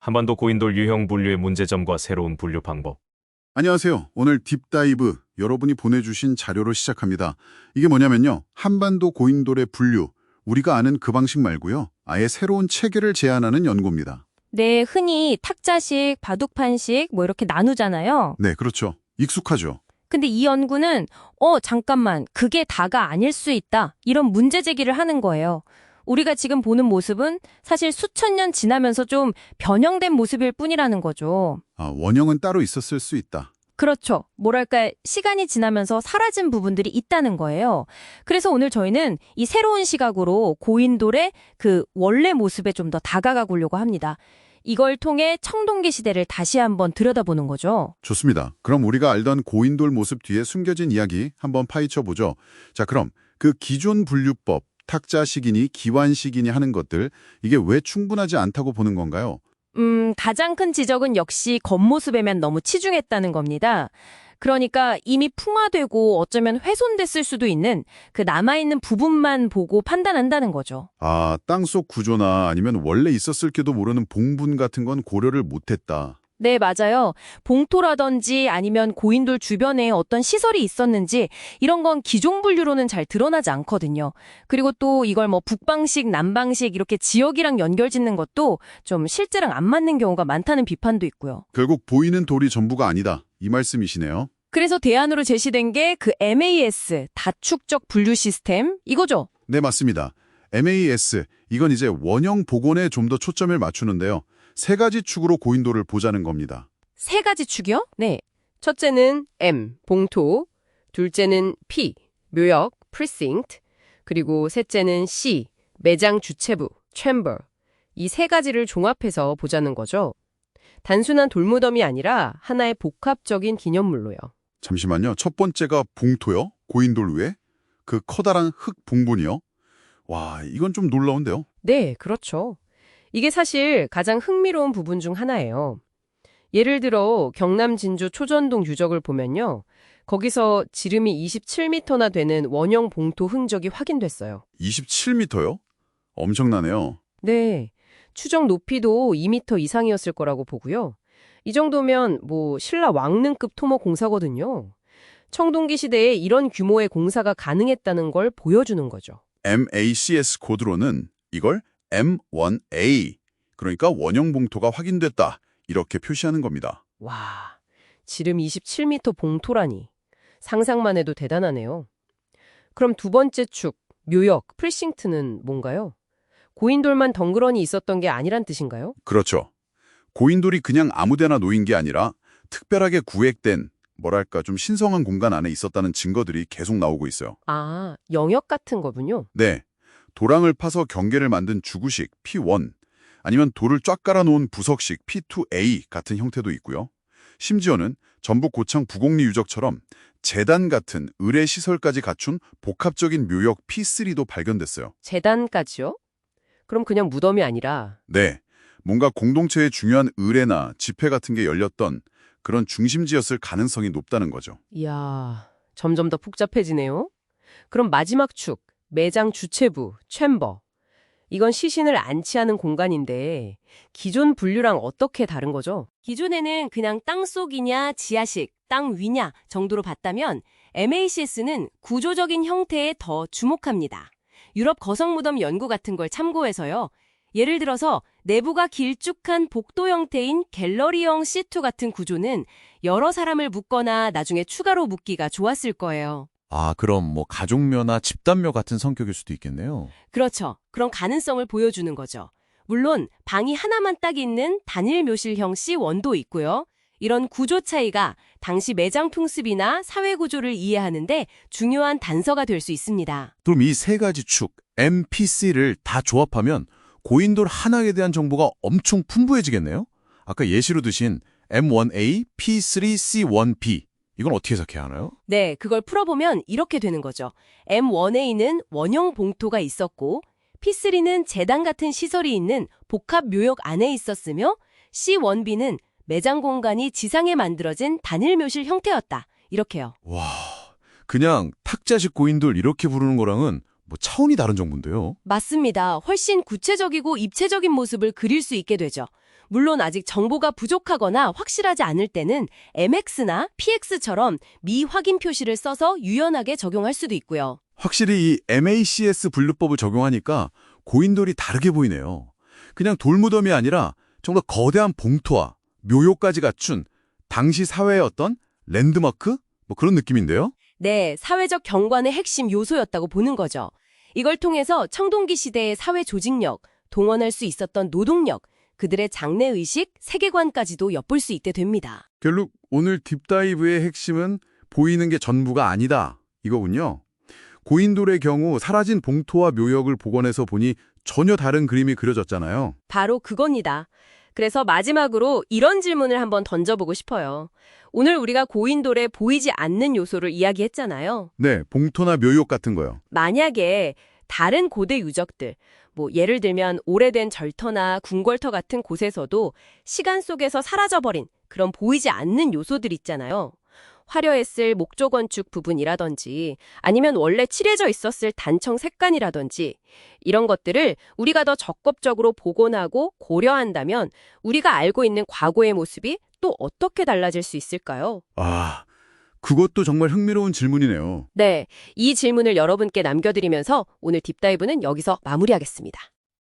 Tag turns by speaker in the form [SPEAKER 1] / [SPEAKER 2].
[SPEAKER 1] 한반도 고인돌 유형 분류의 문제점과 새로운 분류 방법.
[SPEAKER 2] 안녕하세요. 오늘 딥다이브 여러분이 보내주신 자료로 시작합니다. 이게 뭐냐면요. 한반도 고인돌의 분류, 우리가 아는 그 방식 말고요. 아예 새로운 체계를 제안하는 연구입니다.
[SPEAKER 3] 네, 흔히 탁자식, 바둑판식 뭐 이렇게 나누잖아요.
[SPEAKER 2] 네, 그렇죠. 익숙하죠.
[SPEAKER 3] 근데 이 연구는 잠깐만, 그게 다가 아닐 수 있다. 이런 문제 제기를 하는 거예요. 우리가 지금 보는 모습은 사실 수천 년 지나면서 좀 변형된 모습일 뿐이라는 거죠.
[SPEAKER 2] 원형은 따로 있었을 수 있다.
[SPEAKER 3] 그렇죠. 뭐랄까, 시간이 지나면서 사라진 부분들이 있다는 거예요. 그래서 오늘 저희는 이 새로운 시각으로 고인돌의 그 원래 모습에 좀 더 다가가 보려고 합니다. 이걸 통해 청동기 시대를 다시 한번 들여다보는 거죠.
[SPEAKER 2] 좋습니다. 그럼 우리가 알던 고인돌 모습 뒤에 숨겨진 이야기 한번 파헤쳐보죠. 자, 그럼 그 기존 분류법, 탁자식이니 기완식이니 하는 것들, 이게 왜 충분하지 않다고 보는 건가요?
[SPEAKER 3] 가장 큰 지적은 역시 겉모습에만 너무 치중했다는 겁니다. 그러니까 이미 풍화되고 어쩌면 훼손됐을 수도 있는 그 남아있는 부분만 보고 판단한다는 거죠.
[SPEAKER 2] 땅속 구조나 아니면 원래 있었을지도 모르는 봉분 같은 건 고려를 못했다.
[SPEAKER 3] 네, 맞아요. 봉토라든지 아니면 고인돌 주변에 어떤 시설이 있었는지 이런 건 기존 분류로는 잘 드러나지 않거든요. 그리고 또 이걸 뭐 북방식, 남방식 이렇게 지역이랑 연결짓는 것도 좀 실제랑 안 맞는 경우가 많다는 비판도 있고요.
[SPEAKER 2] 결국 보이는 돌이 전부가 아니다. 이 말씀이시네요.
[SPEAKER 3] 그래서 대안으로 제시된 게 그 MAS, 다축적 분류 시스템 이거죠.
[SPEAKER 2] 네, 맞습니다. MAS, 이건 이제 원형 복원에 좀 더 초점을 맞추는데요. 세 가지 축으로 고인돌을 보자는 겁니다.
[SPEAKER 3] 세 가지 축이요? 네.
[SPEAKER 4] 첫째는 M, 봉토, 둘째는 P, 묘역, precinct, 그리고 셋째는 C, 매장 주체부, chamber. 이 세 가지를 종합해서 보자는 거죠. 단순한 돌무덤이 아니라 하나의 복합적인 기념물로요.
[SPEAKER 2] 잠시만요. 첫 번째가 봉토요? 고인돌 위에? 그 커다란 흙 봉분이요? 와, 이건 좀 놀라운데요?
[SPEAKER 4] 네, 그렇죠. 이게 사실 가장 흥미로운 부분 중 하나예요. 예를 들어 경남 진주 초전동 유적을 보면요. 거기서 지름이 27m나 되는 원형 봉토 흔적이 확인됐어요.
[SPEAKER 2] 27m요? 엄청나네요.
[SPEAKER 4] 네, 추정 높이도 2m 이상이었을 거라고 보고요. 이 정도면 뭐 신라 왕릉급 토목 공사거든요. 청동기 시대에 이런 규모의 공사가 가능했다는 걸 보여주는 거죠.
[SPEAKER 2] MACS 코드로는 이걸 M1A, 그러니까 원형 봉토가 확인됐다, 이렇게 표시하는 겁니다.
[SPEAKER 4] 와, 지름 27m 봉토라니. 상상만 해도 대단하네요. 그럼 두 번째 축, 묘역, 프리싱트는 뭔가요? 고인돌만 덩그러니 있었던 게 아니란 뜻인가요?
[SPEAKER 2] 그렇죠. 고인돌이 그냥 아무데나 놓인 게 아니라 특별하게 구획된, 뭐랄까 좀 신성한 공간 안에 있었다는 증거들이 계속 나오고 있어요.
[SPEAKER 4] 아, 영역 같은 거군요.
[SPEAKER 2] 네, 도랑을 파서 경계를 만든 주구식 P1, 아니면 돌을 쫙 깔아놓은 부석식 P2A 같은 형태도 있고요. 심지어는 전북 고창 부곡리 유적처럼 제단 같은 의뢰 시설까지 갖춘 복합적인 묘역 P3도 발견됐어요.
[SPEAKER 4] 재단까지요? 그럼 그냥 무덤이 아니라.
[SPEAKER 2] 네, 뭔가 공동체의 중요한 의뢰나 집회 같은 게 열렸던 그런 중심지였을 가능성이 높다는 거죠.
[SPEAKER 4] 이야, 점점 더 복잡해지네요. 그럼 마지막 축, 매장 주체부, 챔버. 이건 시신을 안치하는 공간인데 기존 분류랑 어떻게 다른 거죠?
[SPEAKER 3] 기존에는 그냥 땅속이냐 지하식, 땅 위냐 정도로 봤다면 MACS는 구조적인 형태에 더 주목합니다. 유럽 거성무덤 연구 같은 걸 참고해서요. 예를 들어서 내부가 길쭉한 복도 형태인 갤러리형 C2 같은 구조는 여러 사람을 묶거나 나중에 추가로 묶기가 좋았을 거예요.
[SPEAKER 5] 그럼 뭐 가족묘나 집단묘 같은 성격일 수도 있겠네요.
[SPEAKER 3] 그렇죠. 그런 가능성을 보여주는 거죠. 물론 방이 하나만 딱 있는 단일 묘실형 C1도 있고요. 이런 구조 차이가 당시 매장 풍습이나 사회 구조를 이해하는데 중요한 단서가 될 수 있습니다.
[SPEAKER 5] 그럼 이 세 가지 축, MPC를 다 조합하면 고인돌 하나에 대한 정보가 엄청 풍부해지겠네요? 아까 예시로 드신 M1A, P3C1B, 이건 어떻게 해석해야 하나요?
[SPEAKER 3] 네, 그걸 풀어보면 이렇게 되는 거죠. M1A는 원형 봉토가 있었고 P3는 제단 같은 시설이 있는 복합 묘역 안에 있었으며 C1B는 매장 공간이 지상에 만들어진 단일 묘실 형태였다. 이렇게요.
[SPEAKER 5] 와, 그냥 탁자식 고인돌 이렇게 부르는 거랑은 뭐 차원이 다른 정보인데요.
[SPEAKER 3] 맞습니다. 훨씬 구체적이고 입체적인 모습을 그릴 수 있게 되죠. 물론 아직 정보가 부족하거나 확실하지 않을 때는 MX나 PX처럼 미확인 표시를 써서 유연하게 적용할 수도 있고요.
[SPEAKER 5] 확실히 이 MACS 분류법을 적용하니까 고인돌이 다르게 보이네요. 그냥 돌무덤이 아니라 좀 더 거대한 봉토와 묘요까지 갖춘 당시 사회의 어떤 랜드마크? 뭐 그런 느낌인데요?
[SPEAKER 3] 네, 사회적 경관의 핵심 요소였다고 보는 거죠. 이걸 통해서 청동기 시대의 사회 조직력, 동원할 수 있었던 노동력, 그들의 장래의식, 세계관까지도 엿볼 수 있게 됩니다.
[SPEAKER 5] 결국 오늘 딥다이브의 핵심은 보이는 게 전부가 아니다 이거군요. 고인돌의 경우 사라진 봉토와 묘역을 복원해서 보니 전혀 다른 그림이 그려졌잖아요.
[SPEAKER 3] 바로 그겁니다. 그래서 마지막으로 이런 질문을 한번 던져보고 싶어요. 오늘 우리가 고인돌의 보이지 않는 요소를 이야기했잖아요.
[SPEAKER 5] 네, 봉토나 묘역 같은 거요.
[SPEAKER 3] 만약에 다른 고대 유적들, 예를 들면 오래된 절터나 궁궐터 같은 곳에서도 시간 속에서 사라져버린 그런 보이지 않는 요소들 있잖아요. 화려했을 목조 건축 부분이라든지 아니면 원래 칠해져 있었을 단청 색간이라든지 이런 것들을 우리가 더 적극적으로 복원하고 고려한다면 우리가 알고 있는 과거의 모습이 또 어떻게 달라질 수 있을까요?
[SPEAKER 5] 아, 그것도 정말 흥미로운 질문이네요.
[SPEAKER 3] 네, 이 질문을 여러분께 남겨드리면서 오늘 딥다이브는 여기서 마무리하겠습니다.